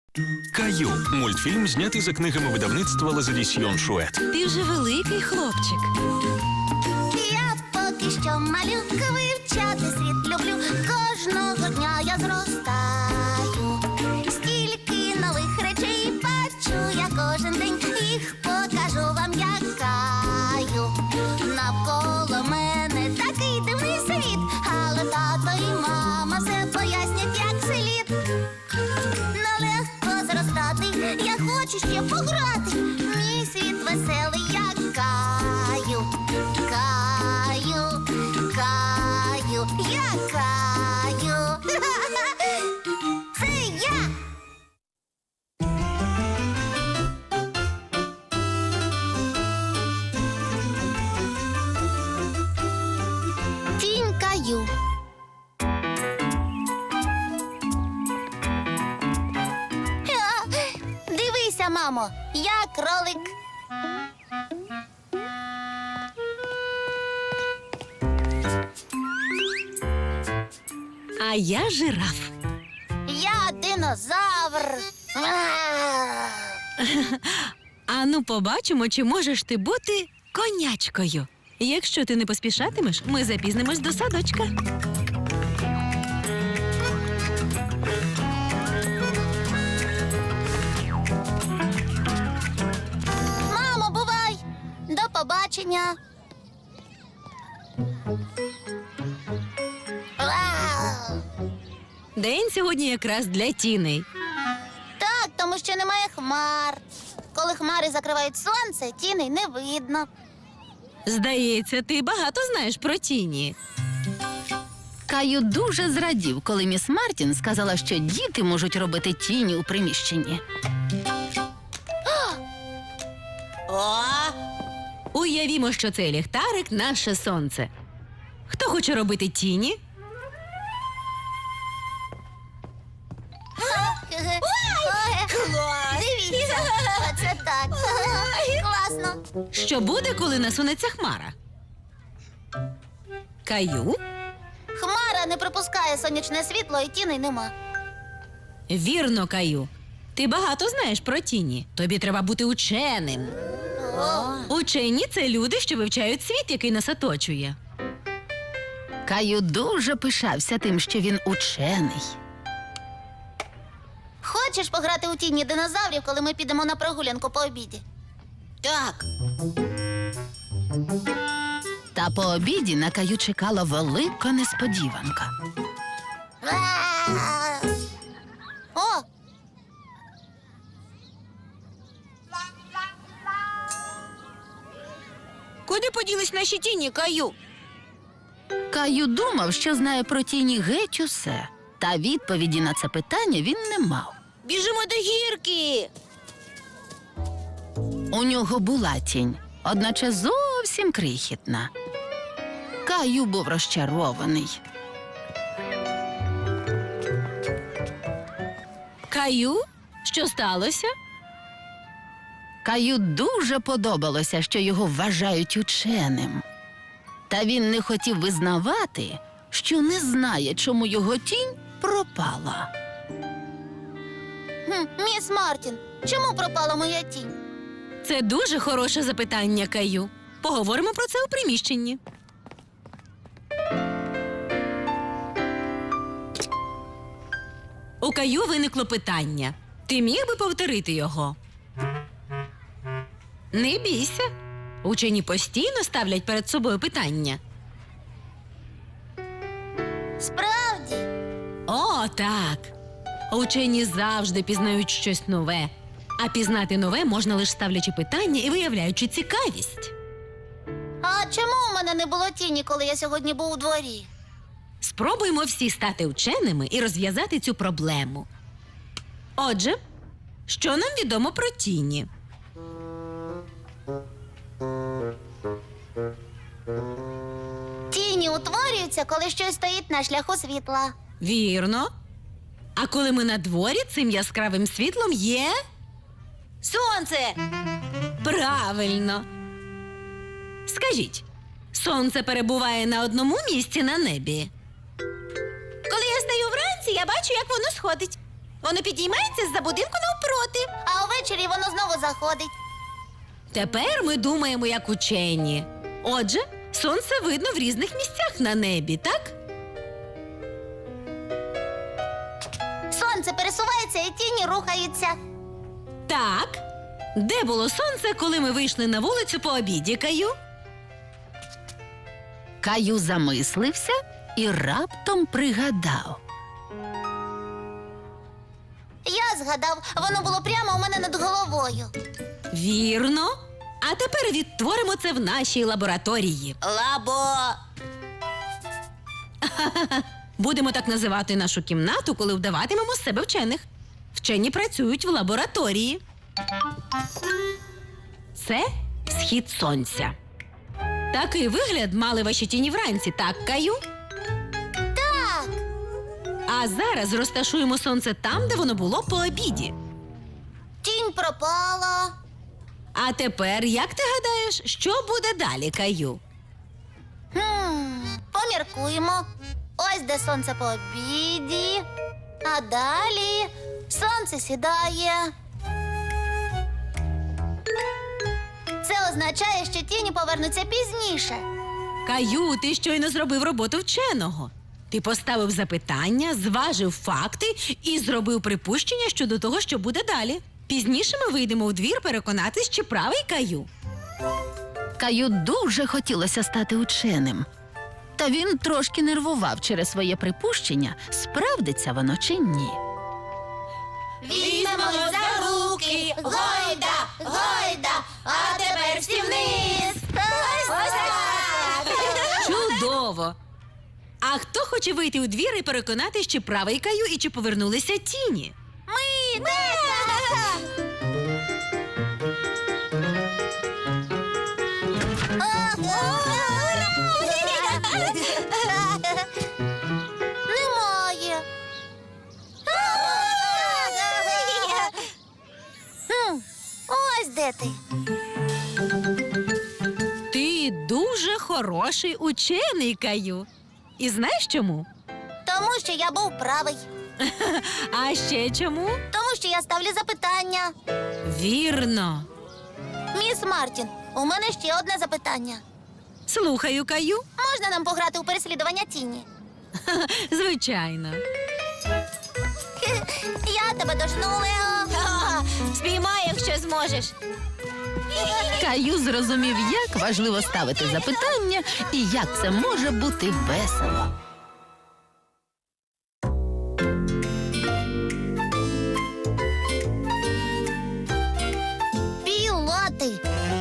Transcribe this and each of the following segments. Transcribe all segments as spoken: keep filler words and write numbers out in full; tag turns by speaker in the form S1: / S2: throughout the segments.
S1: Каю – мультфільм, знятий за книгами видавництва Лазадісьйон Шует.
S2: Ти вже великий хлопчик.
S3: Я поки що малюка, вивчати світ люблю. Кожного дня я зростаю. Стільки нових речей бачу я кожен день. Їх покажу вам, як Каю. Навколо мене такий дивний світ, але тато і мама все пояснять, як слід. Нелегко зростати, я хочу ще пограти. Мій світ веселий, як Каю. Каю, Каю, я Каю. Це я. Тінь Каю. Ха, дивися, мамо, я кролик.
S2: А я жираф.
S3: Я динозавр.
S2: Ану, побачимо, чи можеш ти бути конячкою. Якщо ти не поспішатимеш, ми запізнимось до садочка.
S3: Мамо, бувай! До побачення. Вау!
S2: День сьогодні якраз для тіней.
S3: Так, тому що немає хмар. Коли хмари закривають сонце, тіней не видно.
S2: Здається, ти багато знаєш про тіні.
S4: Каю дуже зрадів, коли міс Мартін сказала, що діти можуть робити тіні у приміщенні.
S3: О!
S2: Уявімо, що цей ліхтарик – наше сонце. Хто хоче робити тіні?
S3: Дивіться, оце так. Класно.
S2: Що буде, коли насунеться хмара? Каю?
S3: Хмара не пропускає сонячне світло і тіней нема.
S2: Вірно, Каю. Ти багато знаєш про тіні. Тобі треба бути ученим. Учені – це люди, що вивчають світ, який нас оточує.
S4: Каю дуже пишався тим, що він учений.
S3: Хочеш пограти у тіні динозаврів, коли ми підемо на прогулянку по обіді? Так.
S4: Та по обіді на Каю чекала велика несподіванка.
S3: О!
S2: Куди поділись наші тіні, Каю?
S4: Каю думав, що знає про тіні геть усе. Та відповіді на це питання він не мав.
S3: Біжимо до гірки!
S4: У нього була тінь, одначе зовсім крихітна. Каю був розчарований.
S2: Каю? Що сталося?
S4: Каю дуже подобалося, що його вважають ученим. Та він не хотів визнавати, що не знає, чому його тінь пропала.
S3: Хм, міс Мартін, чому пропала моя тінь?
S2: Це дуже хороше запитання, Каю. Поговоримо про це у приміщенні. У Каю виникло питання. Ти міг би повторити його? Не бійся. Учені постійно ставлять перед собою питання.
S3: Справді?
S2: О, так. Учені завжди пізнають щось нове. А пізнати нове можна лише ставлячи питання і виявляючи цікавість.
S3: А чому у мене не було тіні, коли я сьогодні був у дворі?
S2: Спробуємо всі стати вченими і розв'язати цю проблему. Отже, що нам відомо про тіні?
S3: Тіні утворюються, коли щось стоїть на шляху світла.
S2: Вірно. А коли ми на дворі, цим яскравим світлом є...
S3: Сонце!
S2: Правильно. Скажіть, сонце перебуває на одному місці на небі?
S3: Коли я стаю вранці, я бачу, як воно сходить.
S2: Воно підіймається з-за будинку навпроти.
S3: А увечері воно знову заходить.
S2: Тепер ми думаємо як учені. Отже, сонце видно в різних місцях на небі, так?
S3: Сонце пересувається і тіні рухаються.
S2: Так. Де було сонце, коли ми вийшли на вулицю по обіді, Каю?
S4: Каю замислився і раптом пригадав.
S3: Я згадав, воно було прямо у мене над головою.
S2: Вірно. А тепер відтворимо це в нашій лабораторії.
S3: Лабо.
S2: Будемо так називати нашу кімнату, коли вдаватимемо з себе вчених. Вчені працюють в лабораторії. Це схід сонця. Такий вигляд мали ваші тіні вранці, так, Каю?
S3: Так.
S2: А зараз розташуємо сонце там, де воно було по обіді.
S3: Тінь пропала.
S2: А тепер, як ти гадаєш, що буде далі, Каю?
S3: Хм, поміркуємо. Ось де сонце по обіді. А далі сонце сідає. Це означає, що тіні повернуться пізніше.
S2: Каю, ти щойно зробив роботу вченого. Ти поставив запитання, зважив факти і зробив припущення щодо того, що буде далі. Пізніше ми вийдемо у двір переконатись, чи правий Каю.
S4: Каю дуже хотілося стати ученим. Та він трошки нервував через своє припущення, справдиться воно чи ні.
S3: Візьмемо за руки, гойда, гойда, а тепер всі вниз. Ось так.
S2: Чудово! А хто хоче вийти у двір і переконатись, чи правий Каю і чи повернулися тіні?
S3: Ми, ми. Немає. Хм, ось де ти.
S2: Ти дуже хороший учений, Каю. І знаєш чому?
S3: Тому що я був правий.
S2: А ще чому?
S3: Тому що я ставлю запитання.
S2: Вірно.
S3: Міс Мартін, у мене ще одне запитання.
S2: Слухаю, Каю.
S3: Можна нам пограти у переслідування тіні?
S2: Звичайно.
S3: Я тебе дожну, Лео. Спіймай, якщо зможеш.
S4: Каю зрозумів, як важливо ставити запитання і як це може бути весело.
S3: Пілоти.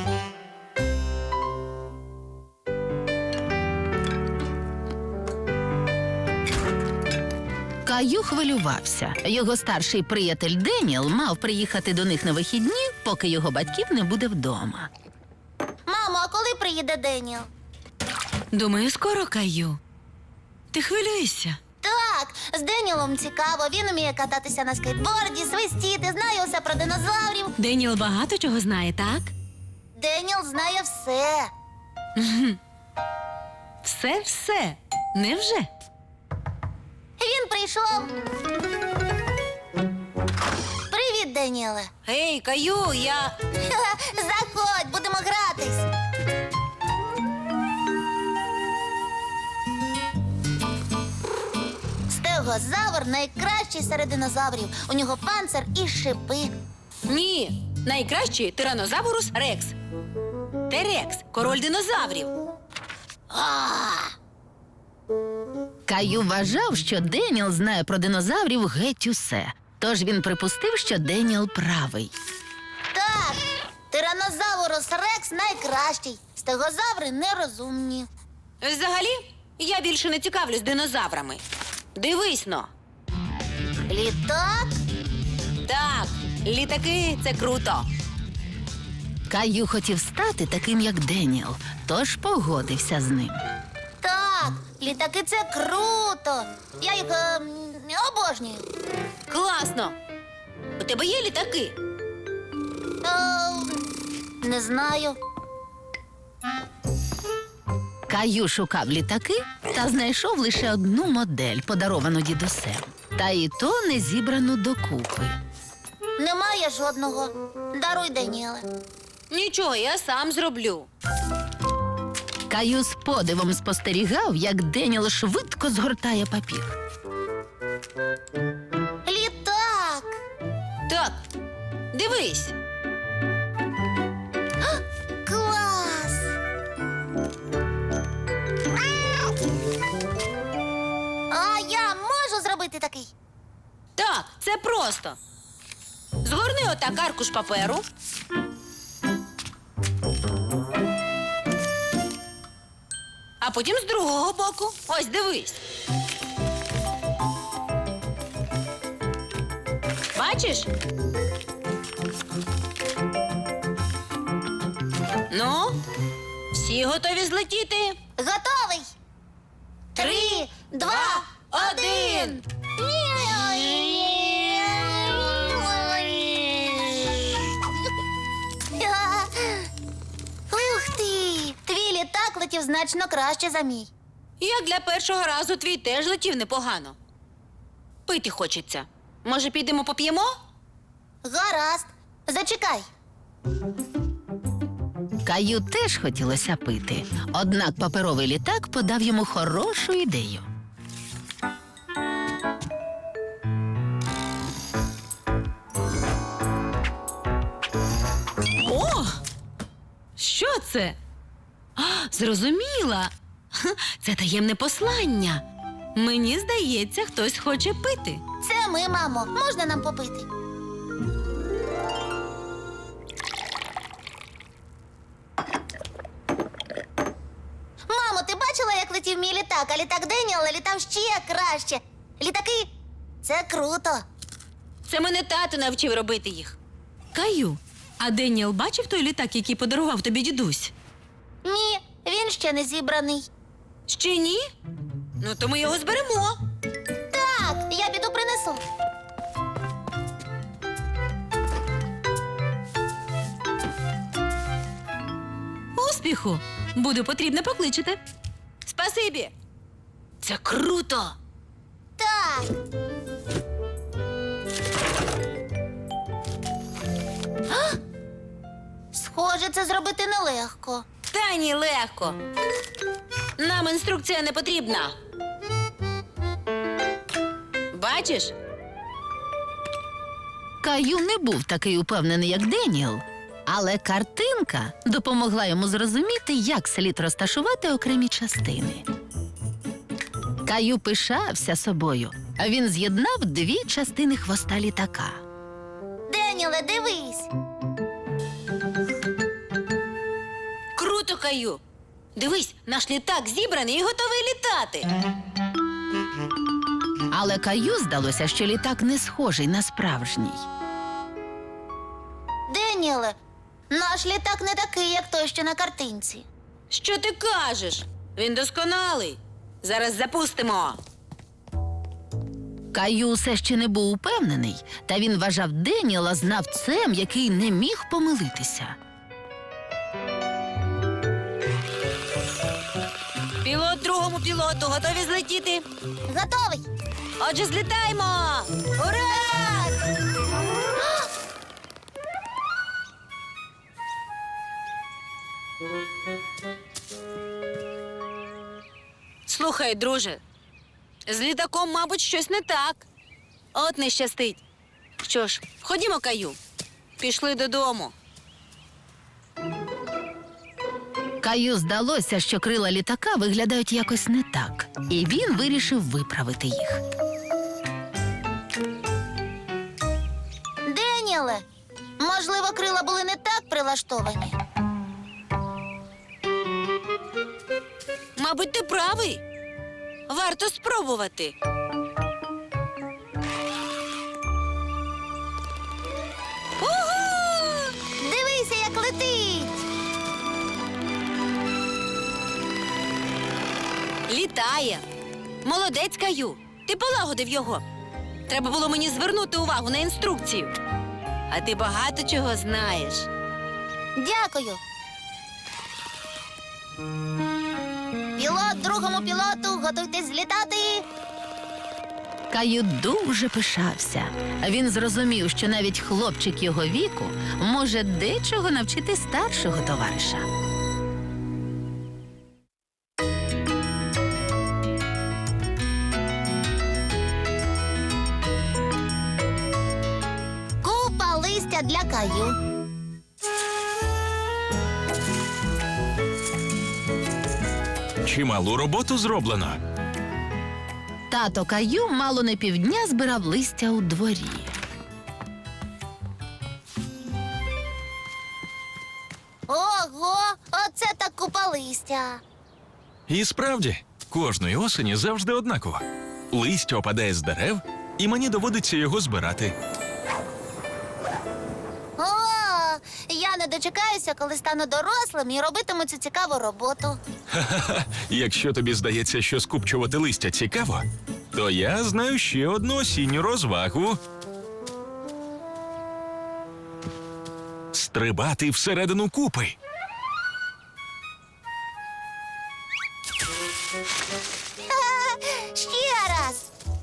S4: Каю хвилювався. Його старший приятель Деніел мав приїхати до них на вихідні, поки його батьків не буде вдома.
S3: Мамо, а коли приїде Деніел?
S2: Думаю, скоро, Каю. Ти хвилюєшся?
S3: Так, з Деніелом цікаво. Він вміє кататися на скейтборді, свистіти, знає усе про динозаврів.
S2: Деніел багато чого знає, так?
S3: Деніел знає все.
S2: Все-все. Невже?
S3: Він прийшов. Привіт, Деніеле.
S2: Гей, Каю, я...
S3: Заходь, будемо гратись. Стегозавр найкращий серед динозаврів. У нього панцир і шипи.
S2: Ні, найкращий тиранозаврус Рекс. Терекс, король динозаврів.
S4: Каю вважав, що Деніел знає про динозаврів геть усе. Тож він припустив, що Деніел правий.
S3: Так, тиранозаврус Рекс найкращий. Стегозаври нерозумні.
S2: Взагалі, я більше не цікавлюсь динозаврами. Дивись но.
S3: Літак?
S2: Так, літаки – це круто.
S4: Каю хотів стати таким, як Деніел, тож погодився з ним.
S3: Так, літаки це круто. Я їх ем, обожнюю.
S2: Класно. У тебе є літаки?
S3: Ем, не знаю.
S4: Каю шукав літаки та знайшов лише одну модель, подаровану дідусем. Та і то не зібрано докупи.
S3: Немає жодного. Даруй, Даніеле.
S2: Нічого, я сам зроблю.
S4: Каю з подивом спостерігав, як Деніел швидко згортає папір.
S3: Літак!
S2: Так, дивись.
S3: Клас! А я можу зробити такий?
S2: Так, це просто. Згорни отак аркуш паперу. А потім з другого боку. Ось, дивись. Бачиш? Ну, всі готові злетіти?
S3: Готовий! Три, два,
S2: один.
S3: Ух ти! Твій літак летів значно краще за мій.
S2: Як для першого разу твій теж летів непогано. Пити хочеться. Може, підемо поп'ємо?
S3: Гаразд. Зачекай.
S4: Каю теж хотілося пити, однак паперовий літак подав йому хорошу ідею.
S2: О! Що це? А, зрозуміла. Ха, це таємне послання. Мені здається, хтось хоче пити.
S3: Це ми, мамо. Можна нам попити? Мамо, ти бачила, як летів мій літак, а літак Деніела літав ще краще. Літаки — це круто.
S2: Це мене тато навчив робити їх. Каю, а Деніел бачив той літак, який подарував тобі дідусь?
S3: Ні, він ще не зібраний.
S2: Ще ні? Ну, то ми його зберемо.
S3: Так, я піду принесу.
S2: Успіху! Буде потрібно, покличете. Спасибі. Це круто.
S3: Так. А! Схоже, це зробити нелегко.
S2: Та ні, легко. Нам інструкція не потрібна. Бачиш?
S4: Каю не був такий упевнений, як Деніел, але картинка допомогла йому зрозуміти, як слід розташувати окремі частини. Каю пишався собою, а він з'єднав дві частини хвоста літака.
S3: Деніле, дивись.
S2: Круто, Каю. Дивись, наш літак зібраний і готовий літати.
S4: Але Каю здалося, що літак не схожий на справжній.
S3: Деніле, наш літак не такий, як той, що на картинці.
S2: Що ти кажеш? Він досконалий. Зараз запустимо.
S4: Каю все ще не був упевнений, та він вважав Деніела знавцем, який не міг помилитися.
S2: Пілот другому пілоту готові злетіти.
S3: Готовий?
S2: Отже, злітаємо! Ура! Слухай, друже, з літаком, мабуть, щось не так. От не щастить. Що ж, ходімо, Каю. Пішли додому.
S4: Каю здалося, що крила літака виглядають якось не так, і він вирішив виправити їх.
S3: Деніле, можливо, крила були не так прилаштовані.
S2: Мабуть, ти правий. Варто спробувати. Угу!
S3: Дивися, як летить.
S2: Літає. Молодець, Каю. Ти полагодив його. Треба було мені звернути увагу на інструкцію. А ти багато чого знаєш.
S3: Дякую. Пілот другому пілоту, готуйтесь злітати.
S4: Каю дуже пишався. Він зрозумів, що навіть хлопчик його віку може дечого навчити старшого товариша.
S3: Купа листя для Каю.
S1: Чималу роботу зроблено.
S4: Тато Каю мало не півдня збирав листя у дворі.
S3: Ого, оце так купа листя.
S1: І справді, кожної осені завжди однаково. Листя опадає з дерев, і мені доводиться його збирати.
S3: О, я не дочекаюся, коли стану дорослим і робитиму цю цікаву роботу.
S1: Ха-ха-ха. Якщо тобі здається, що скупчувати листя цікаво, то я знаю ще одну осінню розвагу. Стрибати всередину купи.
S3: Ха, ще раз.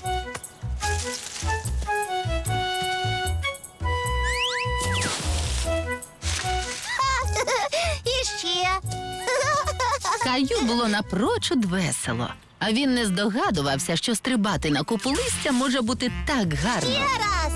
S3: Ха, і ще.
S4: Каю було напрочуд весело. А він не здогадувався, що стрибати на купу листя може бути так гарно.
S3: Ще раз.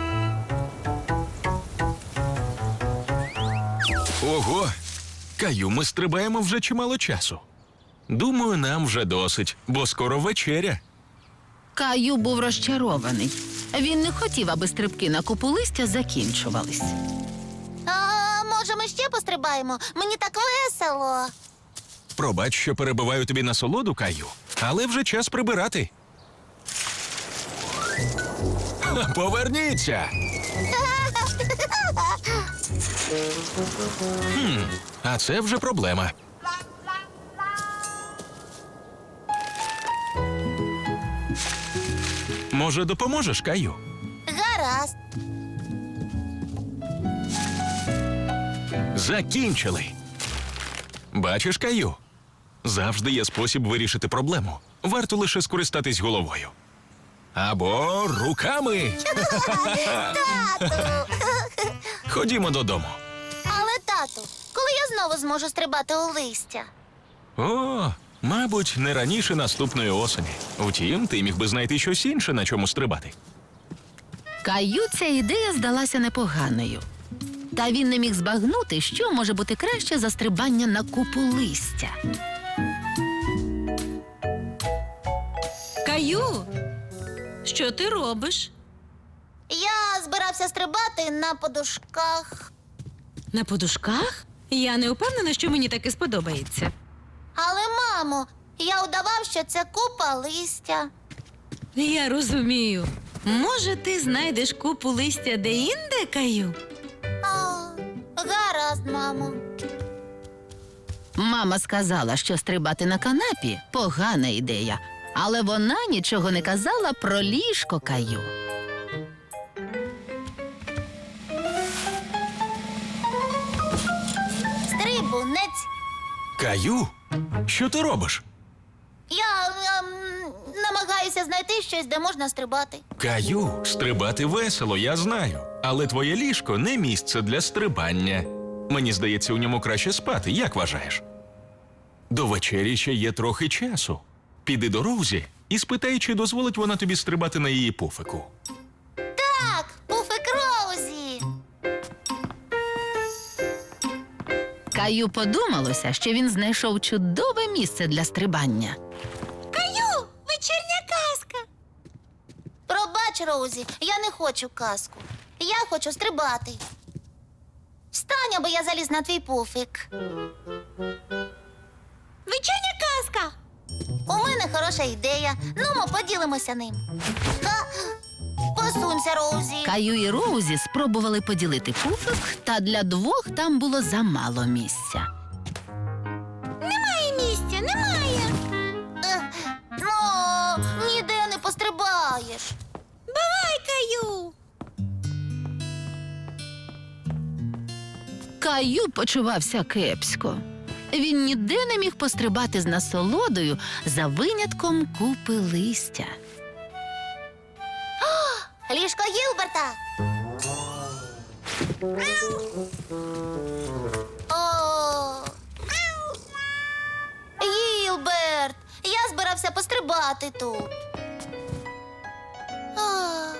S1: Ого! Каю, ми стрибаємо вже чимало часу. Думаю, нам вже досить, бо скоро вечеря.
S4: Каю був розчарований. Він не хотів, аби стрибки на купу листя закінчувались.
S3: А, може, ми ще пострибаємо? Мені так весело.
S1: Пробач, що перебиваю тобі насолоду, Каю, але вже час прибирати. Ха, поверніться! Хм, а це вже проблема. Може, допоможеш, Каю?
S3: Гаразд.
S1: Закінчили. Бачиш, Каю? Завжди є спосіб вирішити проблему. Варто лише скористатись головою. Або руками.
S3: Тату.
S1: Ходімо додому.
S3: Але, тату, коли я знову зможу стрибати у листя?
S1: О, мабуть, не раніше наступної осені. Втім, ти міг би знайти щось інше, на чому стрибати.
S4: Каю ця ідея здалася непоганою. Та він не міг збагнути, що може бути краще за стрибання на купу листя.
S2: Каю, що ти робиш?
S3: Я збирався стрибати на подушках.
S2: На подушках? Я не впевнена, що мені таке сподобається.
S3: Але, мамо, я удавав, що це купа листя.
S2: Я розумію. Може, ти знайдеш купу листя де-інде, Каю?
S3: А, гаразд, мамо.
S4: Мама сказала, що стрибати на канапі – погана ідея. Але вона нічого не казала про ліжко Каю.
S3: Стрибунець.
S1: Каю? Що ти робиш?
S3: Я ем, намагаюся знайти щось, де можна стрибати.
S1: Каю, стрибати весело, я знаю. Але твоє ліжко не місце для стрибання. Мені здається, у ньому краще спати, як вважаєш? До вечері ще є трохи часу. Піди до Роузі і спитай, чи дозволить вона тобі стрибати на її пуфику.
S3: Так, пуфик Роузі.
S4: Каю подумалося, що він знайшов чудове місце для стрибання.
S3: Каю, вечірня казка. Пробач, Роузі, я не хочу казку. Я хочу стрибати. Встань, аби я заліз на твій пуфик. Вечірня казка. У мене хороша ідея. Ну, ми поділимося ним. Ха! Посунься, Роузі.
S4: Каю і Роузі спробували поділити пуфик, та для двох там було замало місця.
S3: Немає місця, немає. Ех, ну, ніде не пострибаєш. Бувай, Каю.
S4: Каю почувався кепсько. Він ніде не міг пострибати з насолодою за винятком купи листя.
S3: О! Гілберт, я збирався пострибати тут. А.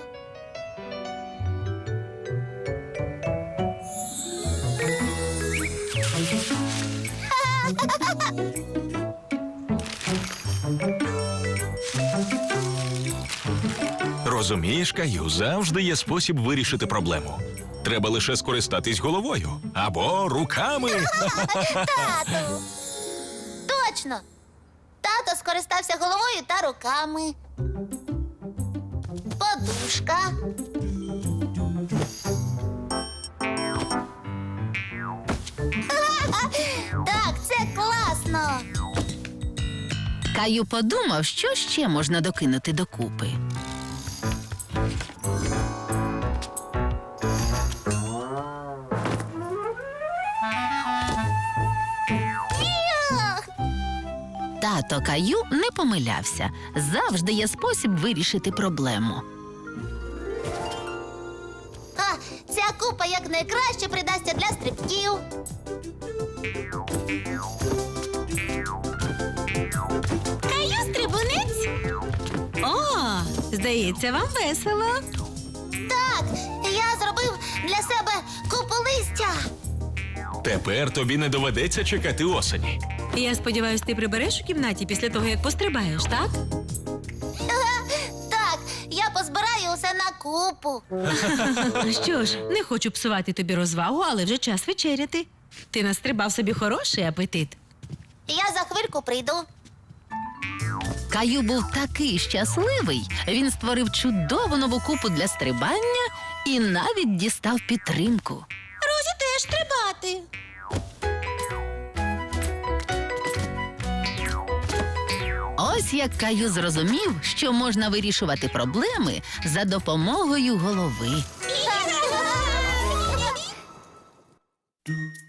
S1: Розумієш, Каю, завжди є спосіб вирішити проблему. Треба лише скористатись головою або руками.
S3: Тату! Точно! Тато скористався головою та руками. Подушка. Так, це класно.
S4: Каю подумав, що ще можна докинути докупи.
S3: Ях!
S4: Тато Каю не помилявся. Завжди є спосіб вирішити проблему.
S3: А, ця купа якнайкраще придасться для стрибків.
S2: Каю стрибунець? О, здається, вам весело.
S3: Так, я зробив для себе купу листя.
S1: Тепер тобі не доведеться чекати осені.
S2: Я сподіваюся, ти прибереш у кімнаті після того, як пострибаєш, так?
S3: Так, я позбираю усе на купу.
S2: Що ж, не хочу псувати тобі розвагу, але вже час вечеряти. Ти настрибав собі хороший апетит.
S3: Я за хвильку прийду.
S4: Каю був такий щасливий, він створив чудову нову купу для стрибання і навіть дістав підтримку.
S2: Розі теж стрибати.
S4: Ось як Каю зрозумів, що можна вирішувати проблеми за допомогою голови.